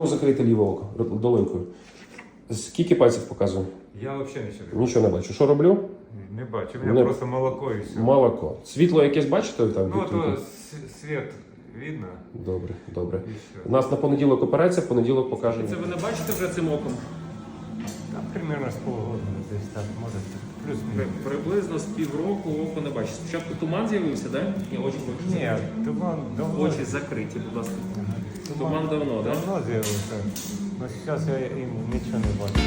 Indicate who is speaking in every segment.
Speaker 1: Закрити ліве око долонькою. Скільки пальців показую?
Speaker 2: Я взагалі нічого не бачу.
Speaker 1: Нічого не бачу. Що роблю?
Speaker 2: Не бачу. У мене просто молоко і все.
Speaker 1: Молоко. Світло якесь бачите там?
Speaker 2: Ну, то світ видно.
Speaker 1: Добре, добре.
Speaker 2: І все.
Speaker 1: У нас на понеділок операція, в понеділок покажемо.
Speaker 3: Це ви не бачите вже цим оком?
Speaker 2: Там примерно з полгода десь так, може. Плюс-мінус.
Speaker 3: Приблизно з півроку око не бачите. Спочатку туман з'явився, так? Да? Ні, очі бачите.
Speaker 2: Ні, туман давно.
Speaker 3: Очі закриті, будь ласка. Туман давно, так? Да?
Speaker 2: Давно з'явився. Ну, зараз я їм нічого не бачу.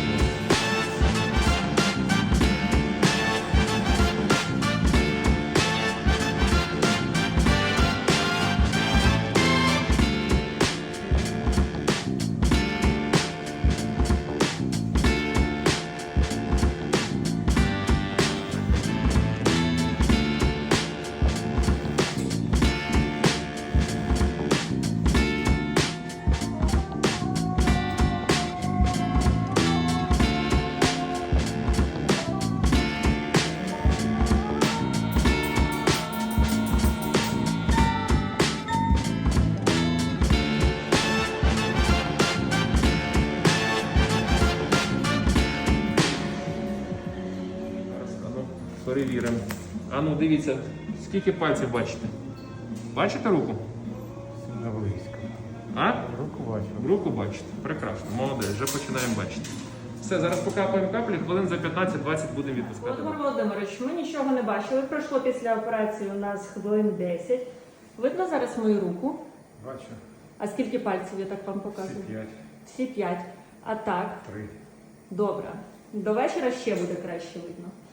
Speaker 3: Зараз, перевіримо. Ану, дивіться, скільки пальців бачите? Бачите руку?
Speaker 2: На близько.
Speaker 3: А?
Speaker 2: Руку бачу.
Speaker 3: Руку бачите. Прекрасно, молодець, вже починаємо бачити. Все, зараз покапаємо каплі, хвилин за 15-20 будемо відпускати.
Speaker 4: Володимир Володимирович, ми нічого не бачили. Пройшло після операції у нас хвилин 10. Видно зараз мою руку?
Speaker 2: Бачу.
Speaker 4: А скільки пальців я так вам показую?
Speaker 2: Всі 5.
Speaker 4: Всі 5. А так?
Speaker 2: 3.
Speaker 4: Добре. До вечора ще буде краще видно.